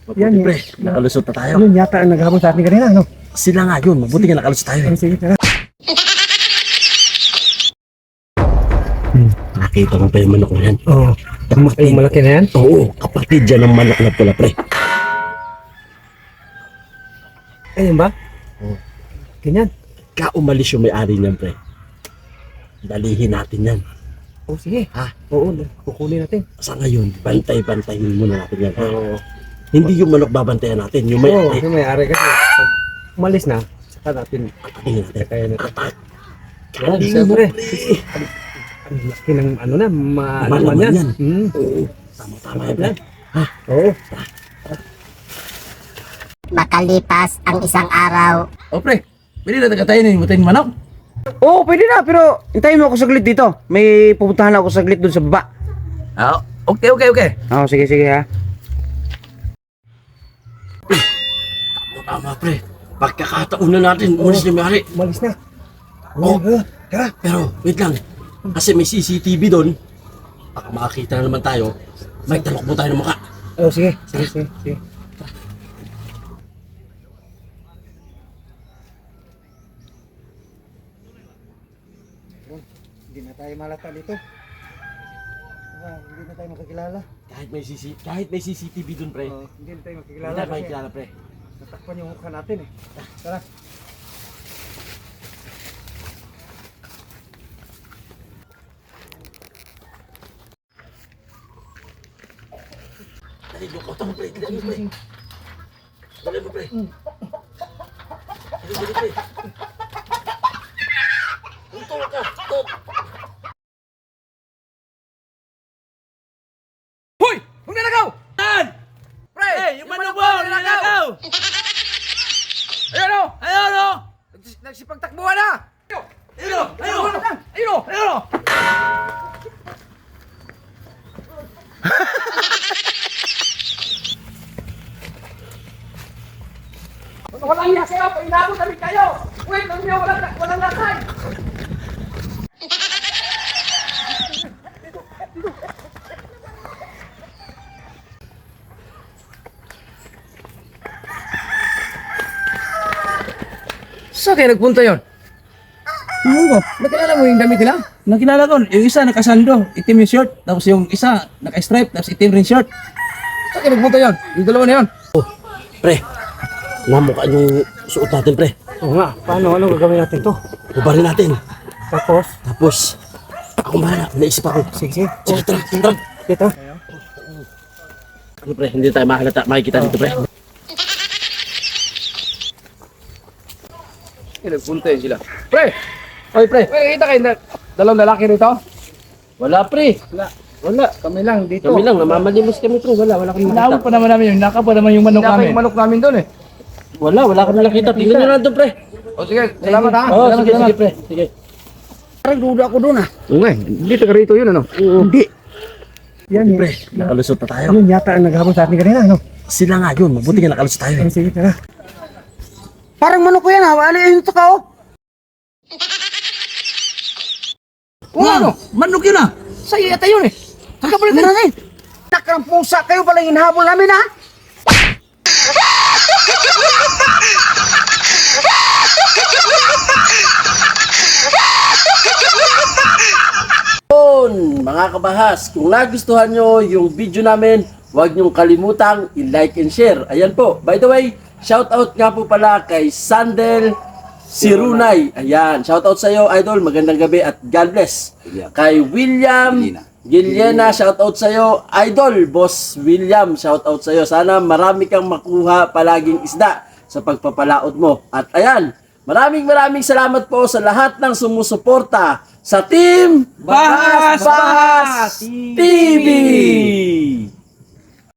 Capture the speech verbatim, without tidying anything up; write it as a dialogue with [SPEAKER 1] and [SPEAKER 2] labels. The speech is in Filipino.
[SPEAKER 1] Mabuti
[SPEAKER 2] Yan,
[SPEAKER 1] pre,
[SPEAKER 2] yan.
[SPEAKER 1] nakalusot na tayo.
[SPEAKER 2] Yun yata ang naghabol sa atin kanina, no?
[SPEAKER 1] Sila nga yun, mabuti nga nakalusot tayo.
[SPEAKER 2] Ay, sige, tara.
[SPEAKER 1] Hmm, nakita mo pa yung manok na yan?
[SPEAKER 2] Oo.
[SPEAKER 1] Kapatid.
[SPEAKER 2] Ay, malaki na yan?
[SPEAKER 1] Oo, kapatid dyan ng manok na pula pre.
[SPEAKER 2] Ayun ba?
[SPEAKER 1] Oo.
[SPEAKER 2] Ganyan.
[SPEAKER 1] Ka umalis yung may-ari niyan pre. Dalihin natin yan.
[SPEAKER 2] Oo, sige.
[SPEAKER 1] Ha?
[SPEAKER 2] Oo, kukunin natin.
[SPEAKER 1] Sa ngayon, bantay-bantayin muna natin yan. Ha?
[SPEAKER 2] Oo.
[SPEAKER 1] Hindi yung manok babantayan natin, yung
[SPEAKER 2] Oo,
[SPEAKER 1] may-ari.
[SPEAKER 2] yung may-ari kasi. Pag umalis na, saka natin.
[SPEAKER 1] Patayin natin.
[SPEAKER 2] Kaya natin.
[SPEAKER 1] Apat.
[SPEAKER 2] Yan,
[SPEAKER 1] Hindi
[SPEAKER 2] siyempre.
[SPEAKER 1] mo, pre.
[SPEAKER 2] Ang laki ng ano na,
[SPEAKER 1] Malaman
[SPEAKER 2] maalaman yan.
[SPEAKER 1] yan.
[SPEAKER 2] Hmm.
[SPEAKER 1] Oo. Tama-tama yan pre. Ha?
[SPEAKER 2] Oo.
[SPEAKER 3] Makalipas ang isang araw.
[SPEAKER 4] O pre, pwede na tayo na yung manok.
[SPEAKER 2] Oo, pwede na, pero hintayin mo ako saglit dito. May pupuntahan ako saglit dun sa baba.
[SPEAKER 4] Ah, okay, okay, okay.
[SPEAKER 2] Oo, sige, sige ha.
[SPEAKER 1] Tama pre. Pagkakataon na natin, umalis na may-ari.
[SPEAKER 2] Umalis na.
[SPEAKER 1] Oo. Tara. Pero, wait lang. Kasi may C C T V doon. Baka makakita na naman tayo. May talok mo tayo ng mukha.
[SPEAKER 2] Oo, sige. Sige, sige, sige. Hindi na tayo malata dito. Ah, hindi na tayo makakilala.
[SPEAKER 1] Kahit may C C kahit may C C T V doon pre.
[SPEAKER 2] Oo, hindi na tayo
[SPEAKER 1] Hindi
[SPEAKER 2] makakilala
[SPEAKER 1] tayo
[SPEAKER 2] kasi
[SPEAKER 1] makikilala pre.
[SPEAKER 2] natakpan yung mukha natin eh. Tara.
[SPEAKER 1] Dali, lukot ako pre. Dali mo pre. Dali mo pre. Dali mo pre. Tuntol ka. Tuntol.
[SPEAKER 4] Hoy! Huwag nalagaw! Tan! Pre! Yung manok mo! Nalagaw! Ayun o! Ayun o! Nagsipagtakbuhan na! Ayun o! Ayun o! Ayun o! Ayun o! Walang iya sa'yo! Painabot kami kayo! Wait! Lang niyo! Walang, walang lakay! Saan kayo nagpunta yun?
[SPEAKER 2] Oo,
[SPEAKER 4] Nakilala mo yung damit nila?
[SPEAKER 5] Nakilala ko, yung isa nakasando, itim yung short, tapos yung isa naka-stripe, tapos itim rin short.
[SPEAKER 4] Saan kayo nagpunta yun? Yung dalawa na yun?
[SPEAKER 1] Pre. Namukha yung suot natin pre.
[SPEAKER 2] Oo nga, paano? Ano gagawin natin to?
[SPEAKER 1] Ubarin natin.
[SPEAKER 2] Tapos,
[SPEAKER 1] Tapos, ako mahala. Naisip ako.
[SPEAKER 2] sige, sige.
[SPEAKER 1] Sige, tara. Tara.
[SPEAKER 2] Dito.
[SPEAKER 1] Ano pre, hindi tayo mahalata. Makikita dito pre.
[SPEAKER 4] Saan nagpunta yun sila? Pre! Oy pre! Pre, kita kayo na dalawang lalaki rito?
[SPEAKER 1] Wala pre.
[SPEAKER 4] Wala. Wala. Kami lang dito.
[SPEAKER 1] Kami lang, namamalimos kami pre. Wala, wala kami
[SPEAKER 5] Inawag
[SPEAKER 1] nakita.
[SPEAKER 5] pa naman namin yun, naka pa naman yung manok
[SPEAKER 4] Wala
[SPEAKER 5] namin.
[SPEAKER 4] yung manok namin doon eh.
[SPEAKER 1] Wala, wala kami nakita. Tingnan nyo na doon pre.
[SPEAKER 4] O sige, salamat ha.
[SPEAKER 1] Oo,
[SPEAKER 4] Salamat,
[SPEAKER 1] sige,
[SPEAKER 4] salamat.
[SPEAKER 1] sige pre. Sige.
[SPEAKER 2] Parang duda ako doon ah.
[SPEAKER 4] Oo nga, eh. dito ka rito yun ano?
[SPEAKER 2] Hindi. Yan
[SPEAKER 1] Pre, nakalusot na tayo.
[SPEAKER 2] Yun yata ang naghabol sa atin kanina, no?
[SPEAKER 1] Sila nga yun, mabuti nga nakalusot tayo.
[SPEAKER 2] Ay, sige, tara. Parang manok ko yan ha. Wala yun ito ka oh.
[SPEAKER 4] Oo nga ano?
[SPEAKER 5] Manok yun ah!
[SPEAKER 4] Sa'yo yata yun eh.
[SPEAKER 2] Kakapalit na natin. Nakarang pusa kayo pala yung hinahabol namin ha.
[SPEAKER 1] Yun, mga kabahas, kung nagustuhan nyo yung video namin, huwag nyong kalimutang i-like and share. Ayan po, by the way, shout out nga po pala kay Sandel Sirunay. Ayan, shout out sa iyo, idol. Magandang gabi at God bless. Kay William Giliena, shout out sa iyo, idol. Boss William, shout out sa iyo. Sana marami kang makuha palaging isda sa pagpapalaot mo. At ayan, maraming maraming salamat po sa lahat ng sumusuporta sa Team
[SPEAKER 5] Bahas Bahas
[SPEAKER 1] T V!